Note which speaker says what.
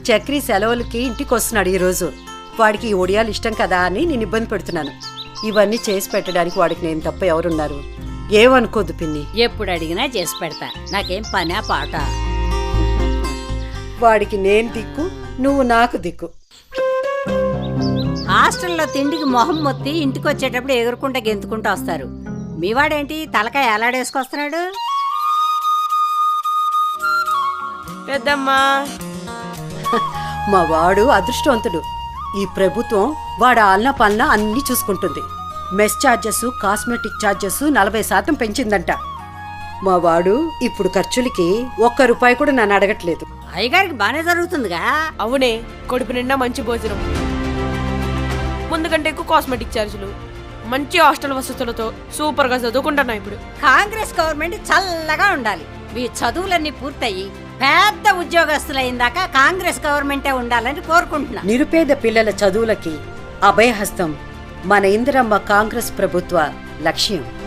Speaker 1: చక్రి సెలవులకి ఇంటికి వస్తున్నాడు ఈరోజు. వాడికి ఈ ఒడియాలు ఇష్టం కదా అని నేను ఇబ్బంది పెడుతున్నాను. ఇవన్నీ చేసి పెట్టడానికి వాడికి నేను తప్ప ఎవరున్నారు? ఏమనుకోదు పిన్ని.
Speaker 2: ఎప్పుడు అడిగినా చేసి పెడతా, నాకేం పనా పాట.
Speaker 1: వాడికి నేను దిక్కు, నువ్వు నాకు దిక్కు.
Speaker 2: హాస్టల్లో తిండికి మొహం మొత్తి ఇంటికి వచ్చేటప్పుడు ఎగురుకుంటా గెంతుకుంటూ వస్తారు. మీవాడేంటి తలకాయ ఎలాడేసుకొస్తున్నాడు?
Speaker 3: పెద్దమ్మా,
Speaker 1: మా వాడు అదృష్టవంతుడు. ఈ ప్రభుత్వం వాడు ఆలన పాలన అన్నీ చూసుకుంటుంది. మెస్ ఛార్జెస్, కాస్మెటిక్ ఛార్జెస్ 40% పెంచిందంట. మా వాడు ఇప్పుడు ఖర్చులకి ₹1 కూడా నన్ను అడగట్లేదు.
Speaker 2: అయ్యగారికి బానే జరుగుతుందిగా.
Speaker 3: అవునే, కడుపు నిండా మంచి భోజనం, ముందు కంటే ఎక్కువ కాస్మెటిక్ ఛార్జీలు, మంచి హాస్టల్ వసతులతో సూపర్ గా చదువుకుంటున్నా. ఇప్పుడు
Speaker 2: కాంగ్రెస్ గవర్నమెంట్ చల్లగా ఉండాలి. మీ చదువులన్నీ పూర్తయి పెద్ద ఉద్యోగస్తులైందాకా కాంగ్రెస్ గవర్నమెంటే ఉండాలని కోరుకుంటున్నా.
Speaker 1: నిరుపేద పిల్లల చదువులకి అభయహస్తం మన ఇందిరమ్మ కాంగ్రెస్ ప్రభుత్వ లక్ష్యం.